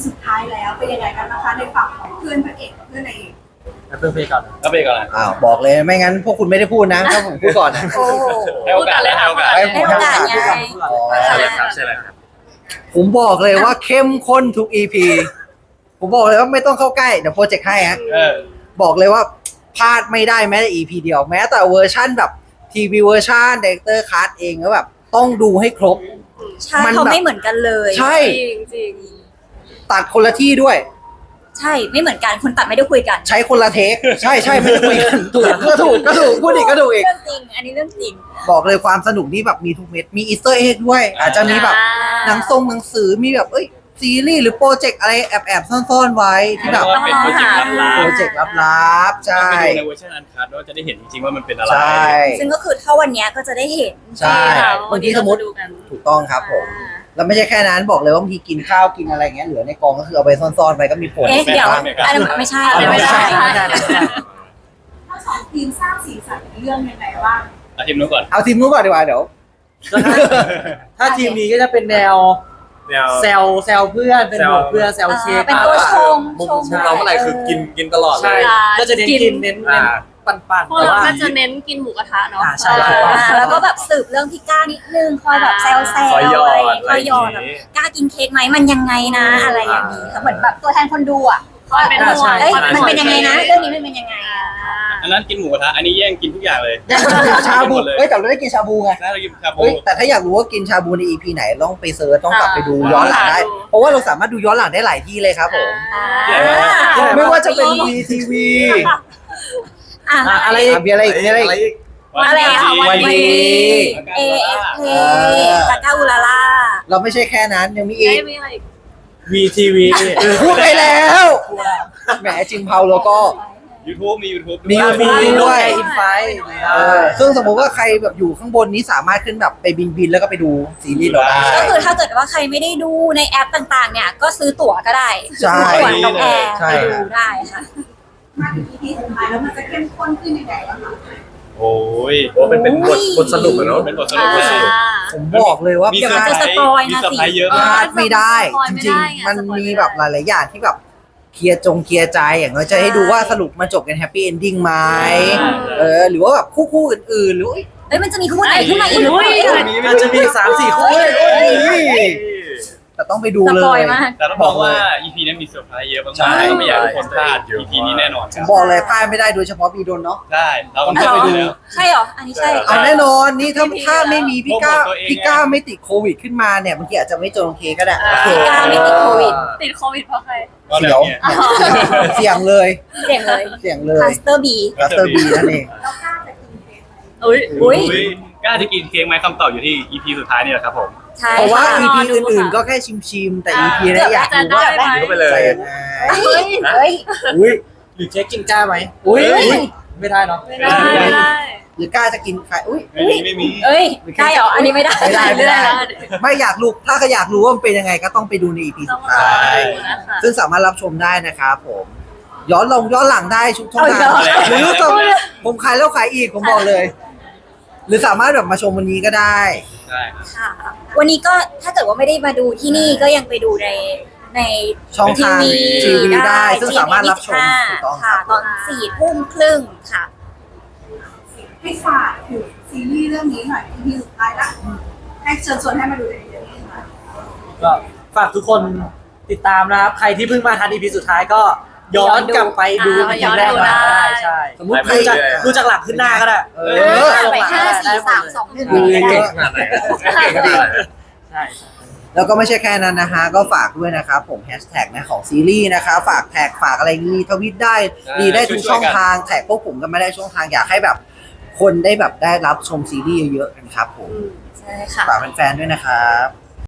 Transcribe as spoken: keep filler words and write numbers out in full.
สุดท้ายแล้วเป็นยังไงกันนะคะในฝั่งของเพื่อนพระเอกกับเพื่อนนายเอกเพิ่มเพลงก่อนก็ไปก่อนนะอ้าวบอกเลยไม่งั้นพวกคุณไม่ได้พูดนะถ้าผมพูดก่อนนะโอ้โหให้โอกาสให้โอกาสให้ให้โอกาสไงอ๋อใช่เลยครับใช่เลยครับผมบอกเลยว่าเข้มข้นทุก อี พี ผมบอกเลยว่าไม่ต้องเข้าใกล้เดี๋ยวโปรเจกต์ให้ฮะเออบอกเลยว่าพลาดไม่ได้แม้แต่ อี พี เดียวแม้แต่เวอร์ชั่นแบบทีวีเวอร์ชันเดเตอร์คัสเองก็แบบต้องดูให้ครบใช่มันเขาแบบไม่เหมือนกันเลยใช่จริงจริงตัดคนละที่ด้วยใช่ไม่เหมือนกันคนตัดไม่ได้คุยกันใช้คนละเทค ใช่ใช่ไม่ได้คุยกันถูกก็ถูกก็ถูกพูดอีกก็ถูกอีกเรื่องจริง อันนี้เรื่องจริงบอกเลยความสนุกนี่แบบมีทุกเม็ดมีอีสเตอร์เอ็กด้วย อาจจะมีแบบหนังทรงหนังสือมีแบบเอ้ยซีรีส์หรือโปรเจกต์อะไรแอบแอบๆซ่อนๆไว้ที่แบบว่าเป็นโปรเจกต์ลับโปรเจกต์ลับๆๆใช่ไปดูในเวอร์ชันอันคัดว่าจะได้เห็นจริงๆว่ามันเป็นอะไรใช่ซึ่งก็คือถ้าวันเนี้ยก็จะได้เห็นใช่บางทีสมมติถูกต้องครับผมแล้วไม่ใช่แค่นั้นบอกเลยว่าบางทีกินข้าวกินอะไรเงี้ยเหลือในกองก็คือเอาไปซ่อนๆไปก็มีผลเอ๊ะเดี๋ยวอันนั้นไม่ใช่อันนั้นไม่ใช่ทั้งสองทีมสร้างสีสันในเรื่องยังไงบ้างเอาทีมนู้นก่อนเอาทีมนู้นก่อนดีกว่าเดี๋ยวถ้าทีมนี้ก็จะเป็นแนวแนวแซลแซลเพื่อนเป็นแซวห่วงเพื่อนแซลเชฟเป็นตัวชงมุมชงมุมเราเมื่อไหร่คือกินกินตลอดเลใช่ยก็จะเน้นกินเน้นเน้นอ่าปั่นๆพวกแต่เราว่าก็จะเน้นกินหมูกระทะเนาะอ่าใช่อ่าแล้วก็แบบสืบเรื่องพี่ก้านิดนึงคอยแบบแซวแซวคอยหยอดคอยหยอดอะไรแบบอย่างงี้กล้ากินเค้กไหมมันยังไงนะอะไรอย่างนี้ค่ะเหมือนแบบตัวแทนคนดูอ่ะคอยเป็นห่วงเอ้ยคอยมันเป็นยังไงนะห่วเรื่องนี้มันเป็นยังไงอ่ะอันนั้นกินหมูกระทะอันนี้แย่งกินทุกอย่างเลยชาบูเลยเอ้ยแต่เราได้กินชาบูไงน่าจะกินชาบูเฮ้ยแต่ถ้าอยากรู้ว่ากินชาบูใน อี พี ไหนต้องไปเซิร์ชต้องกลับไปดูย้อนหลังได้ เพราะว่าเราสามารถดูย้อนหลังได้หลายที่เลยครับผมอ่าไม่ว่าจะเป็น วี ที วีอ่ะอ่ะอะไรอ่ะมีอะไรอีกมีอะไรอีกอีกอะไรอ่ะวันดีเอเอฟเพจากก้าอุลาล่าเราไม่ใช่แค่นั้นยังมีอีเอ้ยกมีอะไรอีกวีทีวีพูดไปแล้วแหมจริงเผาแล้วก็ YouTube มี YouTube มีด้วยมีมีด้ด้ววย ยอินไฟเออซึ่งสมมุติว่าใครแบบอยู่ข้างบนนี้สามารถขึ้นแบบไปบินบินๆแล้วก็ไปดูซีรีส์เราได้ก็คือถ้าเกิดว่าใครไม่ได้ดูในแอปต่างๆ เนี่ยก็ซื้อตั๋วก็ได้ใช่ซื้อตั๋วน้องแอร์ใช่ไปดูได้ค่ะมาถึง อี พี สุดท้ายแล้วมันจะเข้มข้นขึ้นยังไงบ้างคะโอ้ยโอ้เป็นเป็นบทบทสรุปอะเนาะเป็นบทสรุปเลยผมบอกเลยว่ามีพเซอร์ไพรจะส์สปอยล์มีนะเซอร์สิไพรส์เยอะลมากาดไม่ได้สปอยจไม่ริงได้ไงๆ มันสปอยมีไม่ได้แบบหลายๆอย่างที่แบบเคลียร์จงเคลียร์ใจอย่างน้อยจะให้ดูว่าสรุปมันจบกันแฮปปี้เอนดิ้งไหมเออหรือว่าแบบคู่คู่ๆอื่นๆหรือว่าเอ้ยมันจะมีคู่ไหนขึ้นมาอีกหรือเปล่าอาจจะมีสามสี่คู่เฮ้ยเฮ้ยแต่ต้องไปดูสเลปอยยมากแต่ต้องบอกว่า อี พี นี้มีเซอร์ไพรส์เยอะมากใช่ๆก็ไม่อยากให้ทุกคนพลาด อี พี นี้แน่นอนผมบอกเลยพลาดไม่ได้โดยเฉพาะปีโดนเนาะได้เราต้องไปดูแล้วใช่เหรอ อันนี้ใช่เอาแน่นอนนี่ถ้าถ้าไม่มีพี่ก้าโปรโมทตัวเองพี่ก้าไม่ติดโควิดขึ้นมาเนี่ยบางทีอาจจะไม่เจอโอเคก็ได้พี่ก้าไม่ติดโควิดติดโควิดเพราะใครก็เสีแบยวบเนี้ยเสียงเลยเสียงเลยเสียงเลยคาสเตอร์บีกัสเตอร์บีนั่นเองแล้วกล้าจะกินเค้กไหมอุ้ยอุ้ยอุ๊ยกล้าจะกินเค้กไหมคำตอบอยู่ที่ อี พี สุดท้ายนี่แหละครับผมใช่เพราะว่าค่ะอี พีรอดูอื่นค่ะๆก็แค่ชิมๆแต่ อี พี นี้อยากจะรู้ได้ว่าไหมก็ไปเลยจะยังไงเฮ้ยเฮ้ยอุ้ยหรือเค้กกินกล้าไหมอุ้ยไม่ได้เนาะไม่ได้ไม่ได้หรือกล้าจะกินใครอุ้ยไม่มีไม่มีเอ้ยได้เหรอ อันนี้ไม่ได้ไม่ได้ไม่ได้ไม่ได้ไม่อยากรู้ถ้าก็อยากรู้ว่ามันเป็นยังไงก็ต้องไปดูใน อี พีต้สุองดรอท้ายดูนะคะซึ่งสามารถรับชมได้นะครับผม ย้อนลงย้อนหลังได้ชุกช่องทางเอาอีกแล้วหรือจะผมขายแล้วขายอีกผมบอกเลย หรือสามารถแบบมาชมวันนี้ก็ได้ใช่ครับค่ะ วันนี้ก็ถ้าเกิดว่าไม่ได้มาดูที่นี่ก็ยังไปดูในในช่องทางทีทีวีวีได้ซึ่งสามารถรับชมจีถูกต้องคค่ะรับตอนสี่ทุ่มครึ่งค่ะให้ฝากถึงซีรีส์เรื่องนี้หน่อย อี พี สุดท้ายละให้เชิญชวนให้มาดูในเรื่องนี้ค่ะก็ฝากทุกคนติดตามนะครับ ใครที่เพิ่งมาทัน อี พี สุดท้ายก็ย้อนกลับไปดูอ่าอี พีแรกมาย้อนดูได้ได้ใช่สมมุติใครดูจากดูจากหลังขึ้นหน้าก็ได้เอเอออไปห้าสี่สามสองหนึ่งดูก็เยได้อะขนาดไหนเก่งขนาดไหนใช่แล้วก็ไม่ใช่แค่นั้นนะฮะ ก็ฝากด้วยนะครับผมแฮชแท็กนะของซีรีส์นะคะฝากแท็กฝากอะไรรีทวิตได้ใช่รีได้ทุกช่วยๆช่องกันทางแท็กพวกผมก็ไม่ได้ช่องทางอยากให้แบบ คนได้แบบได้รับชมซีรีส์เยอะๆกันครับผมใช่ค่ะฝากแฟนๆด้วยนะครับ